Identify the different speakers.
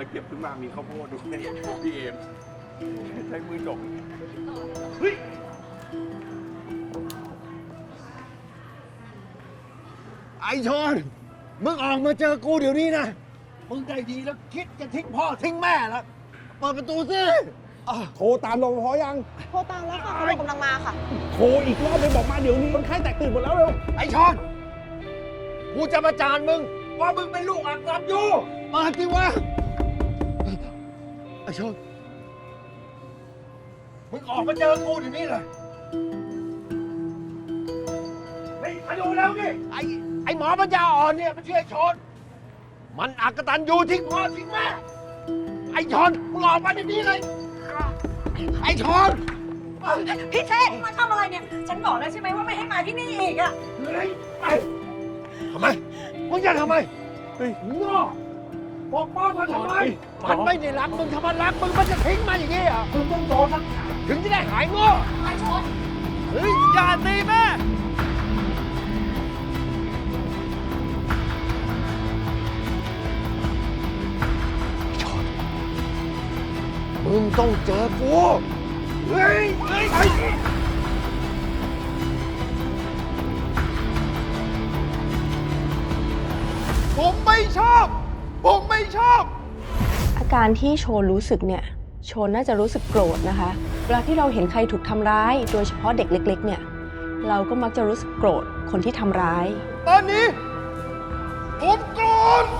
Speaker 1: เก็บขึ้นมามีข้าวโพดด้วยพี่เอมใช้มือจกเฮ้ย
Speaker 2: ไอ้ชนมึงออกมาเจอกูเดี๋ยวนี้นะมึงได้ดีแล้วคิดจะทิ้งพ่อทิ้งแม่แล้วเปิดประตูสิ
Speaker 3: โทรตามรปภยัง
Speaker 4: โทรตามแล้วค่ะตำรวจกำลังมาค่ะ
Speaker 3: โทรอีกรอบเลยบอกมาเดี๋ยวนี้คนไข้แตกตื่นหมดแล้วเร็ว
Speaker 2: ไอ้ชนกูจะมาจานมึงว่ามึงเป็นลูกอักตับอยู่เปิดสิวะไอ้ชนมึงออกมาเจอกูเดี๋ยวนี้เลยเฮ้ยมาดูแล้วนี่ไอ้หมอปัญญาอ่อนเนี่ยมันชื่อไอ้ชนมันอักตันอยู่ทิ้งพ่อทิ้งแม่ไอ้ชนมึงออกมาเดี๋ยวนี้เลยไอ้ชน
Speaker 4: พี่เทพมาทำอะไรเนี่ย ฉันบอกแล้วใช่ไหมว่าไม่ให้มาที่นี่อีกอะ
Speaker 2: เฮ้ยไปทำไมมึงจะทำไมเฮ้ยงอปกป้องมันทำไมมันไม่ได้รักมึงถ้ามันรักมึงมันจะทิ้งมาอย่างนี้เหรอ่ะมึงต้องโดนสักถึงจะได้หายงอ
Speaker 4: ไอ้ชน
Speaker 2: เฮ้ยอย่าตีแม่มึงต้องเจอกูเฮ้ยเฮ้ย
Speaker 3: ผมไม่ชอบ ผมไม่ชอบ
Speaker 5: อาการที่โชนรู้สึกเนี่ย โชนน่าจะรู้สึกโกรธนะคะ เวลาที่เราเห็นใครถูกทำร้าย โดยเฉพาะเด็กเล็ก ๆ เนี่ย เราก็มักจะรู้สึกโกรธคนที่ทำร้าย
Speaker 3: ตอนนี้ ผมโกรธ